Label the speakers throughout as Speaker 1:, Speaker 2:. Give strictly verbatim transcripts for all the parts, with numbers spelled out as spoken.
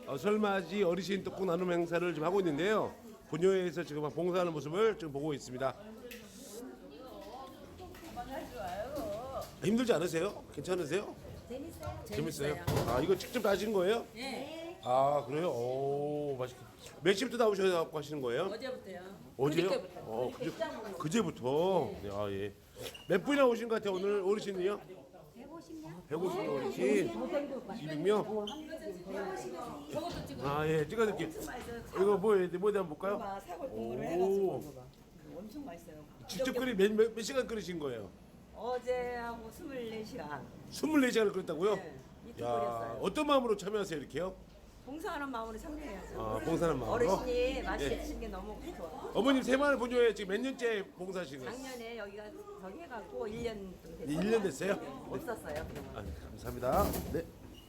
Speaker 1: 어, 설맞이 어르신 떡국 나눔 행사를 지금 하고 있는데요. 분녀회에서 지금 봉사하는 모습을 지금 보고 있습니다. 힘들지 않으세요? 괜찮으세요?
Speaker 2: 재밌어요.
Speaker 1: 재밌어요? 아, 이거 직접 다신 거예요?
Speaker 2: 네.
Speaker 1: 아, 그래요? 오, 맛있겠다. 몇 시부터 나오셔서 하시는 거예요?
Speaker 2: 어제부터요.
Speaker 1: 어제요?
Speaker 2: 그저께부터.
Speaker 1: 어,
Speaker 2: 그저께
Speaker 1: 그제,
Speaker 2: 입장으로.
Speaker 1: 그제부터. 네, 아, 예. 몇 분이나 오신 것 같아요, 오늘 어르신이요?
Speaker 2: 백오십 명?
Speaker 1: 백오십 명 어르신. 이백 명?
Speaker 2: 저것도 지금
Speaker 1: 아, 예, 찍어드릴게요. 이거 뭐예요? 뭐에 한번 볼까요?
Speaker 3: 봐, 사골 국물을
Speaker 1: 오.
Speaker 3: 해가지고 먹어봐. 엄청 맛있어요.
Speaker 1: 직접 끓이 몇, 몇, 몇 시간 끓이신 거예요?
Speaker 3: 어제하고 스물네 시간
Speaker 1: 스물네 시간을 끓였다고요?
Speaker 3: 네, 이틀
Speaker 1: 야,
Speaker 3: 끓였어요.
Speaker 1: 어떤 마음으로 참여하세요, 이렇게요?
Speaker 3: 봉사하는 마음으로 참여해야죠.
Speaker 1: 아, 봉사하는 마음으로?
Speaker 3: 어르신이 맛있게
Speaker 1: 예.
Speaker 3: 드시는 게 너무 좋아.
Speaker 1: 어머님 새마을 본교에 지금 몇 년째 봉사하시는 거예요?
Speaker 3: 작년에 여기가 저기 해갖고 일 년 좀 됐어요.
Speaker 1: 일 년 됐어요?
Speaker 3: 없었어요. 그동안.
Speaker 1: 아, 감사합니다. 네.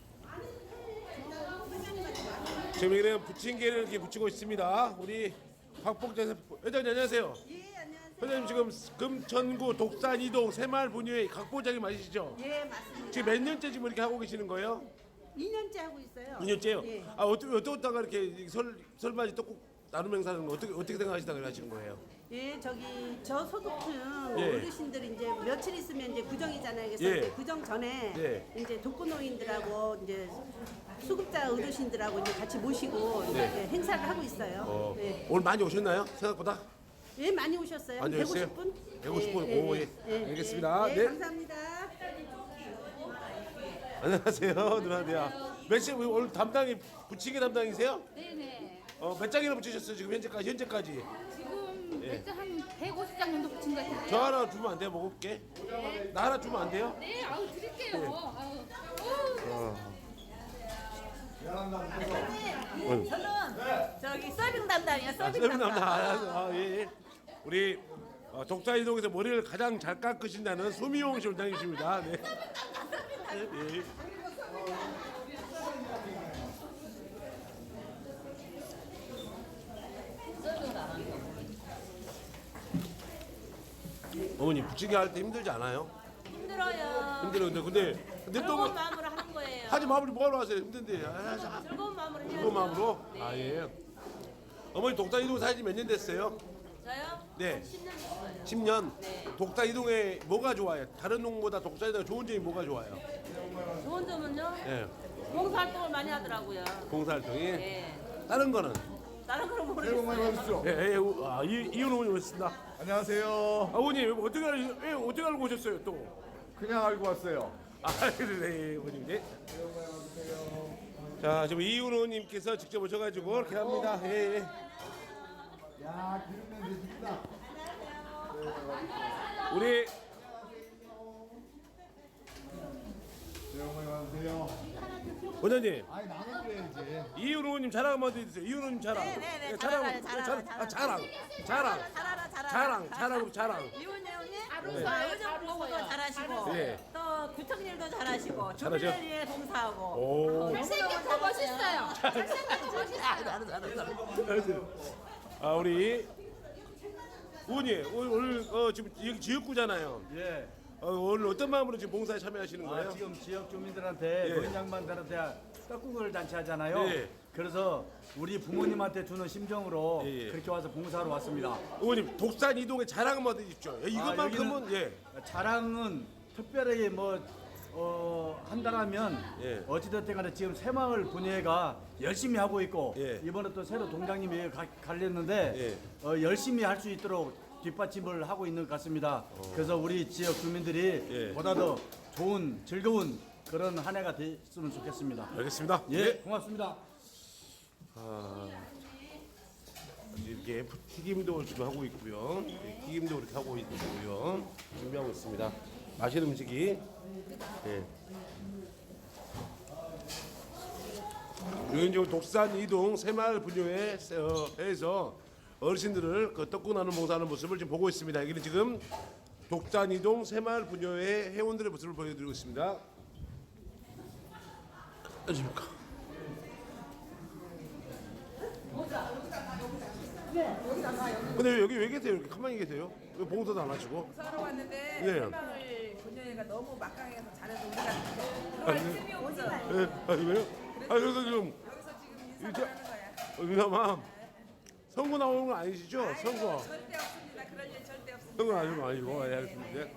Speaker 1: 지금 여기는 부침개를 이렇게 붙이고 있습니다. 우리 박복재 회장님 안녕하세요.
Speaker 3: 예, 안녕하세요.
Speaker 1: 회장님 지금 금천구 독산 이동 새마을 분유회 각보장이 맞으시죠?
Speaker 4: 예, 맞습니다.
Speaker 1: 지금 몇 년째 지금 이렇게 하고 계시는 거예요?
Speaker 4: 이 년째 하고 있어요.
Speaker 1: 이 년째요?
Speaker 4: 예.
Speaker 1: 아 어떻게 어떻다가 이렇게 설 설맞이 떡국 나눔 행사는 어떻게 어떻게 생각하시다가 하시는 거예요?
Speaker 4: 예, 저기 저소득층
Speaker 1: 예.
Speaker 4: 어르신들 이제 며칠 있으면 이제 구정이잖아요. 그래서
Speaker 1: 예.
Speaker 4: 이제 구정 전에
Speaker 1: 예.
Speaker 4: 이제 독거노인들하고 이제 수급자 어르신들하고 이제 같이 모시고 이제
Speaker 1: 네.
Speaker 4: 행사를 하고 있어요.
Speaker 1: 어,
Speaker 4: 예.
Speaker 1: 오늘 많이 오셨나요? 생각보다?
Speaker 4: 예, 많이 오셨어요. 한
Speaker 1: 많이 오셨어요?
Speaker 4: 백오십 분?
Speaker 1: 백오십 분? 오, 예. 알겠습니다.
Speaker 4: 예,
Speaker 1: 네.
Speaker 4: 감사합니다.
Speaker 1: 안녕하세요, 누나들이야. 몇 시 오늘 담당이 부치기 담당이세요?
Speaker 5: 네네.
Speaker 1: 어, 몇 장이나 붙이셨어요 지금 현재까지 현재까지?
Speaker 5: 지금
Speaker 1: 예.
Speaker 5: 맥주 한 백오십 장 정도 붙인 것 같은데요.
Speaker 1: 저 하나 주면 안 돼요? 먹을게. 나 하나 주면 안 돼요?
Speaker 5: 네, 아우 드릴게요.
Speaker 1: 예.
Speaker 5: 아우. 어우.
Speaker 3: 저기 서빙 담당이야.
Speaker 1: 아,
Speaker 3: 서빙
Speaker 1: 세분
Speaker 3: 담당.
Speaker 1: 남자. 아, 예, 예. 우리 어, 독사이동에서 머리를 가장 잘 깎으신다는 소미용 씨 원장님이십니다. 네. 예. 어머니 부치기 할 때 힘들지 않아요?
Speaker 3: 힘들어요.
Speaker 1: 힘들어요. 근데 근데 근데 또
Speaker 3: 즐거운
Speaker 1: 뭐,
Speaker 3: 마음으로 하는 거예요.
Speaker 1: 하지 마무리 뭐하러 하세요? 힘든데. 아, 자,
Speaker 3: 즐거운 마음으로 해야죠.
Speaker 1: 그거 마음으로?
Speaker 3: 네.
Speaker 1: 아 예. 어머니 독사 이동 사진 몇 년 됐어요?
Speaker 3: 저요?
Speaker 1: 네.
Speaker 3: 십 년 됐어요.
Speaker 1: 십 년.
Speaker 3: 네.
Speaker 1: 독사 이동에 뭐가 좋아요? 다른 농보다 독사 이동에 좋은 점이 뭐가 좋아요?
Speaker 3: 좋은 점은요?
Speaker 1: 예.
Speaker 3: 봉사활동을 많이 하더라고요.
Speaker 1: 봉사활동이.
Speaker 3: 네.
Speaker 1: 다른 거는?
Speaker 3: 다른 거는 모르겠어요.
Speaker 1: 예, 예. 우- 아, 이 이혼 어머니 오셨습니다.
Speaker 6: 안녕하세요.
Speaker 1: 아버님 어떻게 알, 왜 어떻게 알고 오셨어요 또?
Speaker 6: 그냥 알고 왔어요.
Speaker 1: 아, 그래, 어머님. 네. 자, 지금 이윤호님께서 직접 오셔가지고 이렇게 합니다. 예, 예.
Speaker 6: 야, 기름면 되십니다.
Speaker 1: 우리
Speaker 6: 어머니 와주세요.
Speaker 1: 원장님.
Speaker 6: 아니, 나눠줘야지.
Speaker 1: 이윤호님 자랑 한번 해주세요. 이윤호님 자랑.
Speaker 3: 네, 네, 네.
Speaker 1: 예,
Speaker 3: 자랑하라,
Speaker 1: 자랑,
Speaker 3: 자랑,
Speaker 1: 아, 자랑, 자랑,
Speaker 3: 잘하라, 잘하라.
Speaker 1: 자랑, 자랑, 자랑.
Speaker 3: 이혼 내용이
Speaker 5: 아루사,
Speaker 3: 의정 보고도 잘하시고
Speaker 1: 네.
Speaker 3: 또 구청 일도 잘하시고
Speaker 1: 잘하죠?
Speaker 3: 주민을 위해 봉사하고
Speaker 1: 오.
Speaker 5: 잘생겼고 멋있어요. 잘생겼고 멋있어요.
Speaker 1: 아, 우리 의원님 오늘, 오늘 어, 지금 여기 지역구잖아요.
Speaker 6: 예.
Speaker 1: 어, 오늘 어떤 마음으로 지금 봉사에 참여하시는
Speaker 6: 아,
Speaker 1: 거예요?
Speaker 6: 지금 지역 주민들한테
Speaker 1: 예.
Speaker 6: 노인 양반들한테 떡국을 잔치하잖아요.
Speaker 1: 예.
Speaker 6: 그래서 우리 부모님한테 주는 심정으로
Speaker 1: 예, 예.
Speaker 6: 그렇게 와서 봉사하러 왔습니다.
Speaker 1: 의원님 독산 이동의 자랑 한번 해주십시오. 예, 이것만큼은
Speaker 6: 아,
Speaker 1: 예.
Speaker 6: 자랑은 특별히 뭐 어, 한다라면
Speaker 1: 예.
Speaker 6: 어찌됐든 간에 지금 새마을 분회가 열심히 하고 있고
Speaker 1: 예.
Speaker 6: 이번에 또 새로 동장님이 가, 갈렸는데
Speaker 1: 예.
Speaker 6: 어, 열심히 할 수 있도록 뒷받침을 하고 있는 것 같습니다. 그래서 우리 지역 주민들이
Speaker 1: 예.
Speaker 6: 보다 더 좋은 즐거운 그런 한 해가 됐으면 좋겠습니다.
Speaker 1: 알겠습니다.
Speaker 6: 예,
Speaker 1: 네.
Speaker 6: 고맙습니다.
Speaker 1: 이렇게 튀김도 지금 하고 있고요. 예, 튀김도 이렇게 하고 있고요. 준비하고 있습니다. 맛있는 음식이. 예. 여기 지금 독산 이동 새마을 분유회에서 어르신들을 그 떡국 나눔 봉사하는 모습을 지금 보고 있습니다. 여기는 지금 독산 이동 새마을 분유회 회원들의 모습을 보여드리고 있습니다. 안녕하십니까. 근데 왜 여기 왜 계세요? 이렇게 가만히 계세요? 왜 봉사도 안 하시고?
Speaker 7: 사러 왔는데
Speaker 1: 예.
Speaker 7: 새마을 분녀회가 너무 막강해서 잘해서 우리가
Speaker 1: 아,
Speaker 7: 들어갈
Speaker 1: 네.
Speaker 7: 틈이 없어.
Speaker 1: 예, 아, 왜요? 아, 그래서 지금
Speaker 7: 여기서 지금
Speaker 1: 민감아 선거 나오는 건 아니시죠? 선거.
Speaker 7: 절대 없습니다. 그럴 일 절대 없습니다.
Speaker 1: 선거 아니고 아니고 예, 알겠습니다. 네.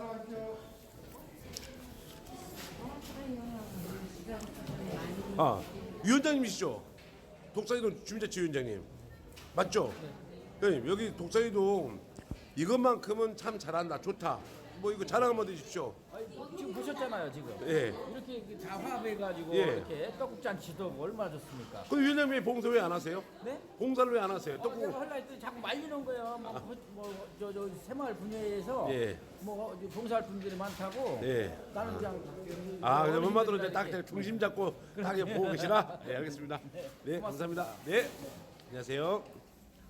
Speaker 1: 아 위원장님이시죠? 독사이동 주민자치위원장님 맞죠? 네. 여기 독사이동 이것만큼은 참 잘한다 좋다 뭐 이거 자랑 한번 해주십시오.
Speaker 8: 지금 보셨잖아요 지금
Speaker 1: 예.
Speaker 8: 이렇게 다 화합해가지고
Speaker 1: 예.
Speaker 8: 이렇게 떡국잔치도 하고 얼마나 좋습니까?
Speaker 1: 근데 위원장님 왜 봉사 왜 안 하세요?
Speaker 8: 네?
Speaker 1: 봉사를 왜 안 하세요?
Speaker 8: 어,
Speaker 1: 떡국
Speaker 8: 내가 하려 했더니 자꾸 말리는 거예요. 뭐저 저 새마을 분야에서
Speaker 1: 예.
Speaker 8: 뭐 봉사할 분들이 많다고.
Speaker 1: 예.
Speaker 8: 나는 그냥
Speaker 1: 아, 그럼
Speaker 8: 어린이들이랑
Speaker 1: 한마디로 이제 딱
Speaker 8: 이렇게
Speaker 1: 중심 잡고 딱 이렇게 보고 계시나? 네, 알겠습니다. 네, 감사합니다. 네, 안녕하세요.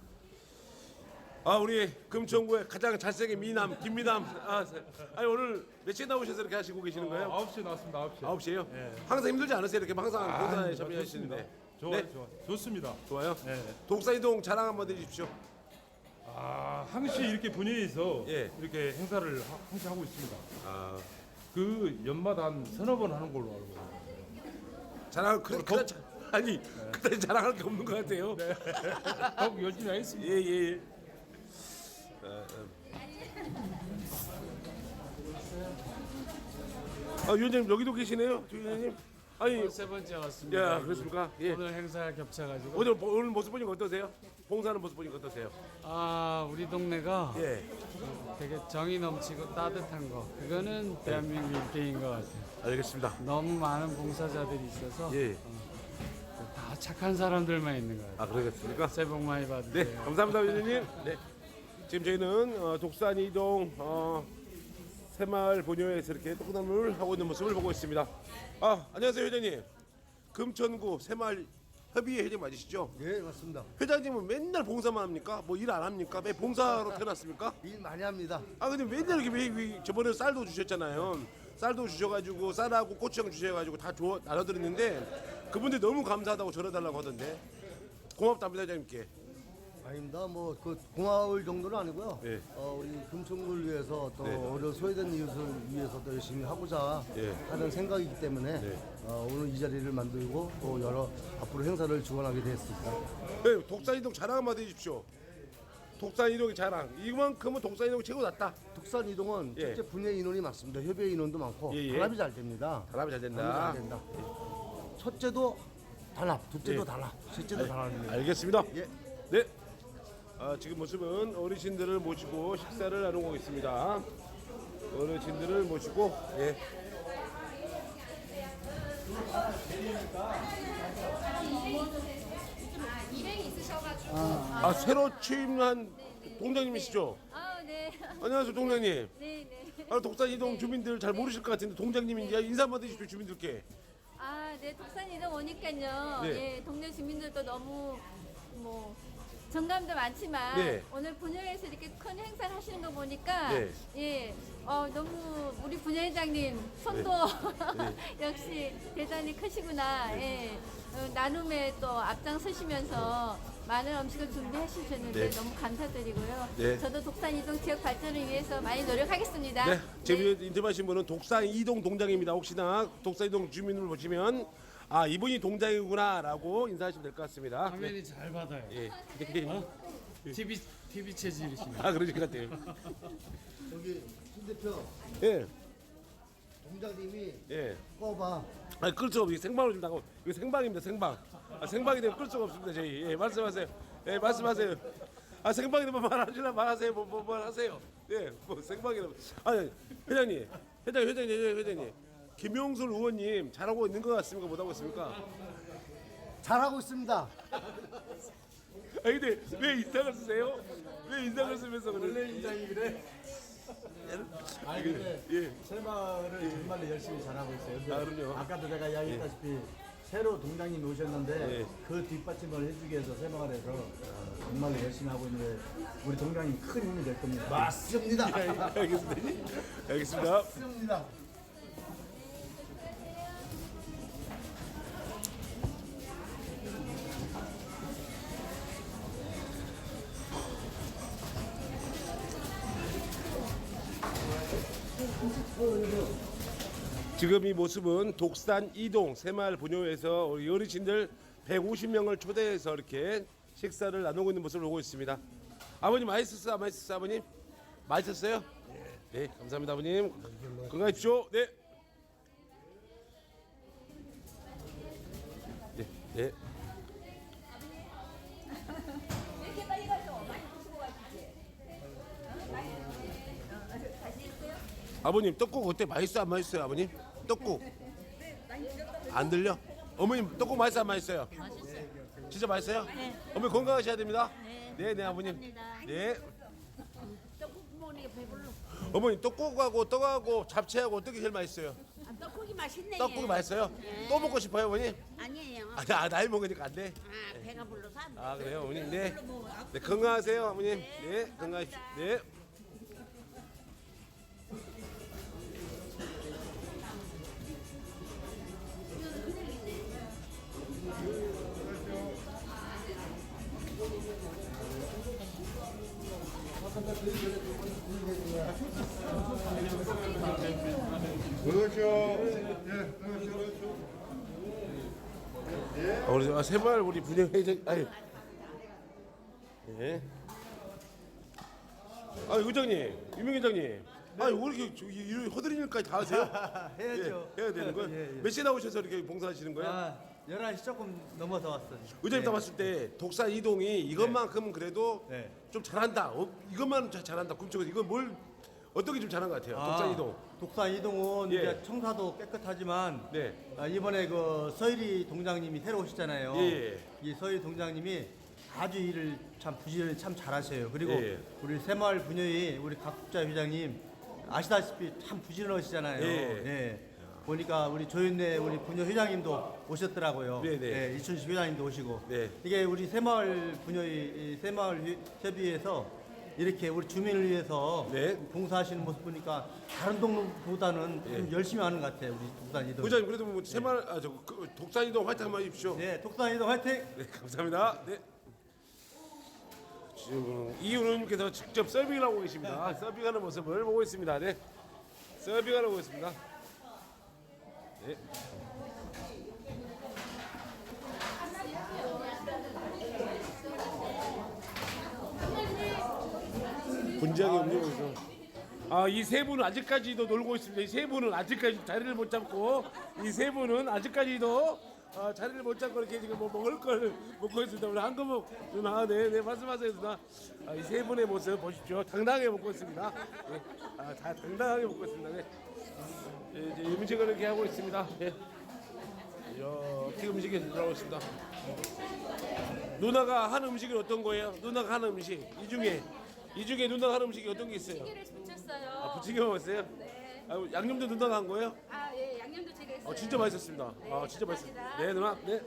Speaker 1: 아, 우리 금천구의 가장 잘생긴 미남 김미남. 아, 아니 오늘 며칠 나오셔서 이렇게 하시고 계시는 거예요?
Speaker 9: 아홉 시에 나왔습니다. 아홉 시.
Speaker 1: 아홉 시에요? 항상 힘들지 않으세요? 이렇게 항상 봉사에 참여하시는데.
Speaker 9: 좋아요,
Speaker 1: 네?
Speaker 9: 좋아. 좋습니다.
Speaker 1: 좋아요.
Speaker 9: 네.
Speaker 1: 독사이동 자랑 한번 해주십시오.
Speaker 9: 아, 항시 이렇게 분야에서
Speaker 1: 예.
Speaker 9: 이렇게 행사를 하- 항시 하고 있습니다.
Speaker 1: 아,
Speaker 9: 그 연마다 한 서너 번 하는 걸로 알고 있습니다.
Speaker 1: 자랑 그, 그, 그, 아니 그다지 자랑할 게 없는 것 같아요.
Speaker 9: 더욱 열심히 하겠습니다.
Speaker 1: 예, 예. 예. 어, 어. 아, 위원장님 여기도 계시네요, 위원장님. 아니,
Speaker 10: 세 번째 왔습니다.
Speaker 1: 야, 그렇습니까? 예.
Speaker 10: 오늘 행사가 겹쳐가지고
Speaker 1: 오늘 오늘 모습 보니까 어떠세요? 봉사하는 모습 보니까 어떠세요?
Speaker 10: 아 우리 동네가
Speaker 1: 예.
Speaker 10: 되게 정이 넘치고 따뜻한 거 그거는 대한민국 일대인 것 같아요.
Speaker 1: 알겠습니다.
Speaker 10: 너무 많은 봉사자들이 있어서
Speaker 1: 예.
Speaker 10: 다 착한 사람들만 있는 것 같아요.
Speaker 1: 아, 그러겠습니까?
Speaker 10: 새해 복 많이
Speaker 1: 네,
Speaker 10: 받으세요.
Speaker 1: 감사합니다, 위원장님. 네. 지금 저희는 어, 독산 이동 어, 새마을 본요에서 이렇게 떡나물을 하고 있는 모습을 보고 있습니다. 아, 안녕하세요, 회장님. 금천구 새마을 협의회 회장 맞으시죠?
Speaker 11: 예, 맞습니다.
Speaker 1: 회장님은 맨날 봉사만 합니까? 뭐 일 안 합니까? 왜 봉사로 태어났습니까?
Speaker 11: 일 많이 합니다.
Speaker 1: 아, 근데 맨날 이렇게 왜, 왜 저번에 쌀도 주셨잖아요. 쌀도 주셔가지고 쌀하고 고추장 주셔가지고 다 줘, 나눠드렸는데 그분들 너무 감사하다고 전해달라고 하던데 고맙답니다, 회장님께.
Speaker 11: 아닙니다. 뭐 그 고마울 정도는 아니고요.
Speaker 1: 네.
Speaker 11: 어, 우리 금천구를 위해서 또
Speaker 1: 네.
Speaker 11: 어려 소외된 이웃을 위해서 또 열심히 하고자
Speaker 1: 네.
Speaker 11: 하는 생각이기 때문에
Speaker 1: 네.
Speaker 11: 어, 오늘 이 자리를 만들고 또 여러 앞으로 행사를 주관하게 되었습니다.
Speaker 1: 네, 독산이동 자랑 한번 해주십시오. 독산이동의 자랑. 이만큼은 독산이동이 최고 낫다.
Speaker 11: 독산 이동은
Speaker 1: 예.
Speaker 11: 첫째 분야 인원이 많습니다. 협의회 인원도 많고
Speaker 1: 예, 예.
Speaker 11: 단합이 잘 됩니다.
Speaker 1: 단합이 잘 된다.
Speaker 11: 단합이 잘 된다. 첫째도 단합, 둘째도
Speaker 1: 예.
Speaker 11: 단합, 셋째도 단합입니다.
Speaker 1: 알겠습니다.
Speaker 11: 예.
Speaker 1: 네. 아, 지금 모습은 어르신들을 모시고 식사를 나누고 있습니다. 어르신들을 모시고 예.
Speaker 5: 일행이 있으셔가지고.
Speaker 1: 아, 새로 취임한 동장님이시죠?
Speaker 5: 아, 네.
Speaker 1: 안녕하세요, 동장님.
Speaker 5: 네, 네.
Speaker 1: 아, 독산이동 주민들 잘 모르실 것 같은데 동장님이 이제 인사 한번 해주십시오, 주민들께.
Speaker 5: 아, 네. 독산이동 오니까요.
Speaker 1: 네.
Speaker 5: 예, 동네 주민들도 너무 뭐 정감도 많지만
Speaker 1: 네.
Speaker 5: 오늘 분야에서 이렇게 큰 행사를 하시는 거 보니까
Speaker 1: 네.
Speaker 5: 예, 어, 너무 우리 분야회장님 손도
Speaker 1: 네.
Speaker 5: 역시 대단히 크시구나. 예. 어, 나눔에 또 앞장서시면서 많은 음식을 준비하시셨는데
Speaker 1: 네.
Speaker 5: 너무 감사드리고요.
Speaker 1: 네.
Speaker 5: 저도 독산이동 지역 발전을 위해서 많이 노력하겠습니다.
Speaker 1: 네, 지금 인터뷰하신 분은 독산이동 동장입니다. 혹시나 독산이동 주민을 보시면 아, 이분이 동장이구나라고 인사하시면 될 것 같습니다.
Speaker 10: 화면이 잘 받아요.
Speaker 1: 예.
Speaker 10: 티비 티비 체질이시네.
Speaker 1: 아, 그러실 것 같아요.
Speaker 11: 여기 신 대표
Speaker 1: 예,
Speaker 11: 동장님이
Speaker 1: 예.
Speaker 11: 꺼봐.
Speaker 1: 아, 끌 수가 없어요. 생방으로 좀 나가고 이거 생방입니다. 생방. 아, 생방이 되면 끌 수가 없습니다. 저희. 예, 말씀하세요. 예, 말씀하세요. 아, 생방이 되면 말하시나 말하세요. 뭐, 뭐, 뭐 하세요. 예, 뭐 생방이라면. 아니, 회장님, 회장, 회장님, 회장님, 회장님. 김용술 의원님 잘하고 있는 것 같습니까? 못하고 있습니까?
Speaker 11: 잘하고 있습니다.
Speaker 1: 아, 근데 왜 인상을 쓰세요? 왜 인상을 쓰면서 그래? 원래 인상이 그래?
Speaker 6: 아니 근데
Speaker 1: 예.
Speaker 6: 새마을을 정말로 열심히 잘하고 있어요. 근데
Speaker 1: 아, 그럼요.
Speaker 6: 아까도 제가 이야기했다시피 새로 동장님이 오셨는데
Speaker 1: 예.
Speaker 6: 그 뒷받침을 해주기 위해서 새마을에서 어, 정말로 열심히 하고 있는데 우리 동장님 큰 힘이 될 겁니다.
Speaker 11: 맞습니다.
Speaker 1: 알겠습니다. 알겠습니다.
Speaker 11: 맞습니다.
Speaker 1: 지금 이 모습은 독산 이동 새마을 분요에서 우리 어르신들 백오십 명을 초대해서 이렇게 식사를 나누고 있는 모습을 보고 있습니다. 아버님 맛있었어요? 안 맛있었어요? 아버님? 맛있었어요? 네, 감사합니다 아버님. 건강하십시오. 네. 네, 네. 아버님 떡국 어때? 맛있어 안 맛있어요 아버님? 떡국 안 들려? 어머님 떡국 맛있어 안 맛있어요? 맛있어요. 진짜 맛있어요? 네. 어머니 건강하셔야 됩니다. 네, 네, 네 아버님. 네.
Speaker 3: 떡국 먹으니까 배불러.
Speaker 1: 어머니 떡국하고 떡하고 잡채하고 어떻게 제일 맛있어요?
Speaker 3: 아, 떡국이 맛있네.
Speaker 1: 떡국이 맛있어요? 또 먹고 싶어요 어머니?
Speaker 3: 아니에요.
Speaker 1: 아, 나, 나이 먹으니까 안 돼.
Speaker 3: 아, 배가 불러서 안 돼.
Speaker 1: 아 그래요 어머님. 네. 네 건강하세요 어머님. 네 건강하십시오. 네. 어, 우리 아, 새마을 우리 분회장 아니. 예. 아 의장님, 유명 회장님. 아, 왜 이렇게 저기 이런 허드렛 일까지 다 하세요?
Speaker 11: 해야죠.
Speaker 1: 예, 해야 되는 거예요?
Speaker 11: 예, 예.
Speaker 1: 몇 시에 나오셔서 이렇게 봉사하시는 거예요?
Speaker 11: 아, 열한 시 조금 넘어서 왔어요.
Speaker 1: 의장님
Speaker 11: 네.
Speaker 1: 다 봤을 때 독산 이동이 이것만큼은 그래도
Speaker 11: 네.
Speaker 1: 좀 잘한다. 어, 이것만 자- 잘한다. 굶쪽에서 이건 뭘 어떻게 좀 잘한 것 같아요? 독산 이동.
Speaker 11: 독산 이동은
Speaker 1: 예.
Speaker 11: 이제 청사도 깨끗하지만
Speaker 1: 네.
Speaker 11: 아, 이번에 그 서일이 동장님이 새로 오시잖아요.
Speaker 1: 예.
Speaker 11: 이 서일 동장님이 아주 일을 참 부지런히 참 잘하셔요. 그리고
Speaker 1: 예.
Speaker 11: 우리 새마을 분여회 우리 각국자 회장님 아시다시피 참 부지런하시잖아요.
Speaker 1: 예.
Speaker 11: 예. 보니까 우리 조윤래 우리 분여 회장님도 오셨더라고요.
Speaker 1: 네, 네.
Speaker 11: 예, 이춘식 회장님도 오시고.
Speaker 1: 네.
Speaker 11: 이게 우리 새마을 분여회 이 새마을 회- 협의회에서 이렇게 우리 주민을 위해서
Speaker 1: 네.
Speaker 11: 봉사하시는 모습 보니까 다른 동네보다는 좀 열심히 하는 것 같아요. 우리 독산 이동.
Speaker 1: 의장님 그래도 뭐 새마을 아, 저 그, 독산 이동 화이팅 한번 해주십시오.
Speaker 11: 네, 독산 이동 화이팅!
Speaker 1: 네, 감사합니다. 네. 지금 이윤우님께서 직접 서빙을 하고 계십니다. 서빙하는 모습을 보고 있습니다. 네, 서빙을 하고 있습니다. 네. 분장이 움직이고 아, 이 세 분은 아직까지도 놀고 있습니다. 이 세 분은 아직까지 자리를 못 잡고 이 세 분은 아직까지도 어, 자리를 못 잡고 이렇게 지금 뭐 먹을 걸 먹고 있습니다. 우리 한금옥 누나, 네, 네, 말씀하세요, 누나. 아, 이 세 분의 모습 보십시오. 당당하게 먹고 있습니다. 네. 아, 다 당당하게 먹고 있습니다. 네. 네, 이제 음식을 이렇게 하고 있습니다. 네. 이야, 어떻게 음식이 들어가고 있습니다. 누나가 한 음식이 어떤 거예요? 누나가 한 음식 이 중에 이 중에 누나가 한 음식이 어떤 게 있어요?
Speaker 5: 찌개를 붙였어요.
Speaker 1: 아, 부침개 먹었어요?
Speaker 5: 네.
Speaker 1: 아, 양념도 누나가 한 거예요?
Speaker 5: 아, 예, 양념도 제가 했어요.
Speaker 1: 아, 진짜 맛있었습니다. 아, 진짜 맛있어요.
Speaker 5: 감사합니다.
Speaker 1: 네, 누나. 네.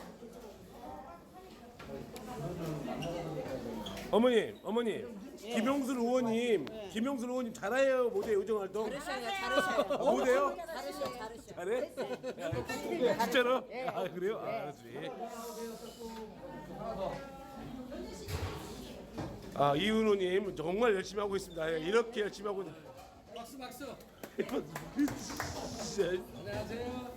Speaker 1: 어머님, 어머님. 김용순 의원님, 김용순 의원님 잘해요, 못해요, 의정 활동?
Speaker 3: 잘하셔요, 잘하셔요.
Speaker 1: 아, 못해요?
Speaker 3: 잘하셔요, 잘하셔요.
Speaker 1: 잘해? 진짜로? 아, 그래요? 아, 알았지. 아, 이은호님 정말 열심히 하고 있습니다. 예, 이렇게 열심히 하고 있는.
Speaker 10: 박수 박수.
Speaker 1: 진짜.
Speaker 10: 안녕하세요.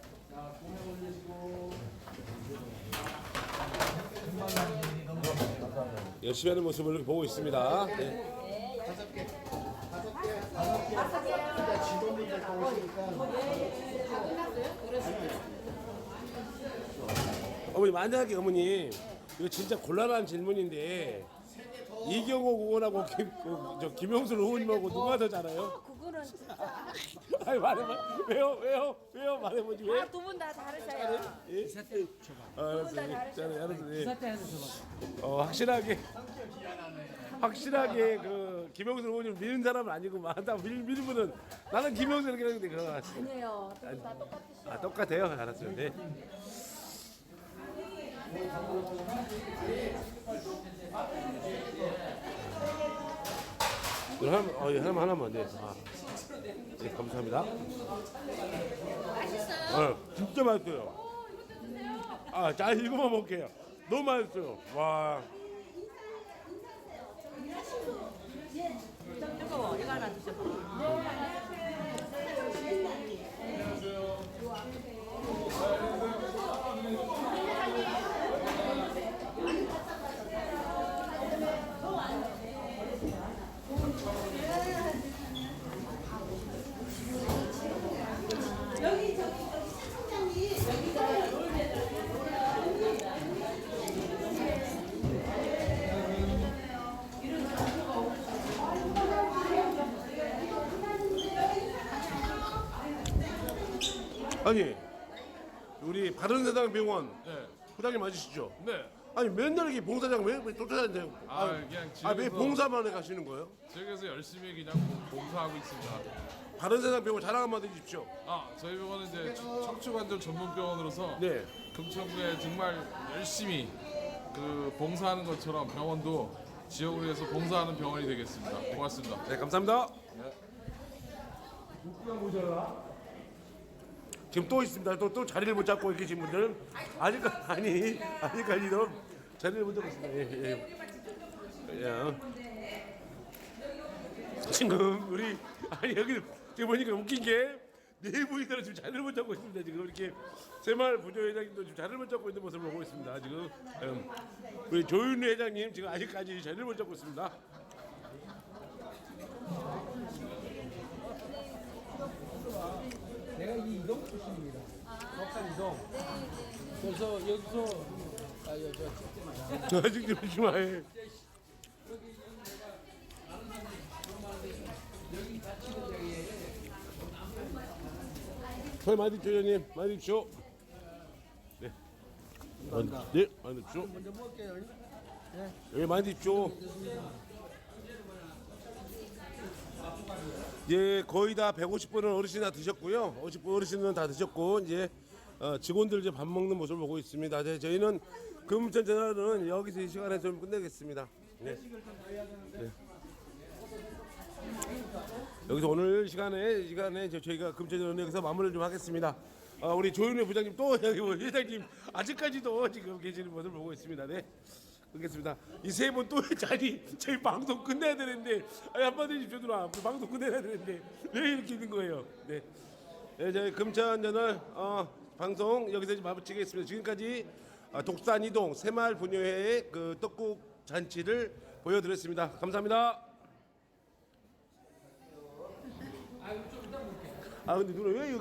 Speaker 1: 열심히 하는 모습을 이렇게 보고 있습니다. 네. 어머니 만약에 어머님 이거 진짜 곤란한 질문인데 이경호 의원하고 김, 그, 저 김용순 의원님하고 누가 더 잘해요?
Speaker 2: 그거는
Speaker 1: 아니 말해봐. 왜요? 왜요? 왜요? 말해보지 왜?
Speaker 2: 두 분 다 다르셔요.
Speaker 1: 예? 아, 알았어. 예. 잘해, 알았어. 예.
Speaker 8: 사태 해서 줘봐.
Speaker 1: 어, 확실하게 확실하게 그 김용순 의원님 미는 사람은 아니구만. 나 밀, 밀면은 나는 김용순 이렇게 하는데 그거 같아.
Speaker 2: 아니에요. 두 분 다 똑같으시죠.
Speaker 1: 아 똑같아요. 알았어요. 네. 이거 하나만, 어, 이거 하나만 하나만 네. 아. 네, 감사합니다. 맛있어요? 어, 진짜 맛있어요. 아, 자 이거만 먹게요. 너무 맛있어요. 와.
Speaker 3: 뜨거워. 이거 하나 드셔봐.
Speaker 1: 아니 우리 바른세상 병원
Speaker 9: 네.
Speaker 1: 부장님 맞으시죠?
Speaker 9: 네.
Speaker 1: 아니 맨날 이렇게 봉사장 왜, 왜 쫓아다니세요?
Speaker 9: 아, 그냥
Speaker 1: 아왜
Speaker 9: 지역에서-
Speaker 1: 봉사만 해 가시는 거예요?
Speaker 9: 지역에서 열심히 그냥 봉사하고 있습니다.
Speaker 1: 바른세상 병원 자랑 한마디 해주십시오.
Speaker 9: 아, 저희 병원은 이제 척- 척추관절 전문 병원으로서
Speaker 1: 네.
Speaker 9: 금천구에 정말 열심히 그 봉사하는 것처럼 병원도 지역을 위해서 봉사하는 병원이 되겠습니다. 고맙습니다.
Speaker 1: 네 감사합니다. 지금 또 있습니다. 또, 또 자리를 못 잡고 계신 분들 아직 아니 아직까지도 자리를 못 잡고 있습니다. 예, 예. 야. 지금 우리 아니 여기 지금 보니까 웃긴 게 네 분이나 지금 자리를 못 잡고 있습니다. 지금 이렇게 새마을 부녀회장님도 지금 자리를 못 잡고 있는 모습을 보고 있습니다. 지금 음, 우리 조윤희 회장님 지금 아직까지 자리를 못 잡고 있습니다.
Speaker 8: 내가 이 이동 출신입니다. 덕산 이동. 그래서 여기서 아, 여, 저 찍지 마라.
Speaker 1: 아직 좀 심하해. 잘 많이 드십시오, 회장님. 많이 드십시오. 네. 많이, 네, 많이 드십시오.
Speaker 8: 먼저 먹을게요.
Speaker 1: 네, 많이 드십시오. 예, 거의 다 백오십 분은 어르신 다 드셨고요. 오십 분 어르신은 다 드셨고 이제 어, 직원들 이제 밥 먹는 모습을 보고 있습니다. 이제 저희는 금천 전화는 여기서 이 시간에 좀 끝내겠습니다. 네. 네. 여기서 오늘 시간에 시간에 저- 저희가 금천전 여기서 마무리를 좀 하겠습니다. 어, 우리 조윤회 부장님 또 여기 뭐 회장님 아직까지도 지금 계시는 모습을 보고 있습니다. 네. 그렇겠습니다. 이 세 분 또 자리 저희 방송 끝내야 되는데 아니, 한마디 해주십시오 누나. 우리 방송 끝내야 되는데 왜 이렇게 있는 거예요? 네. 네 저희 금천전을 어, 방송 여기서 이제 마치겠습니다. 지금까지 어, 독산 이동 새마을 부녀회의 그 떡국 잔치를 보여드렸습니다. 감사합니다. 아 근데 누나 왜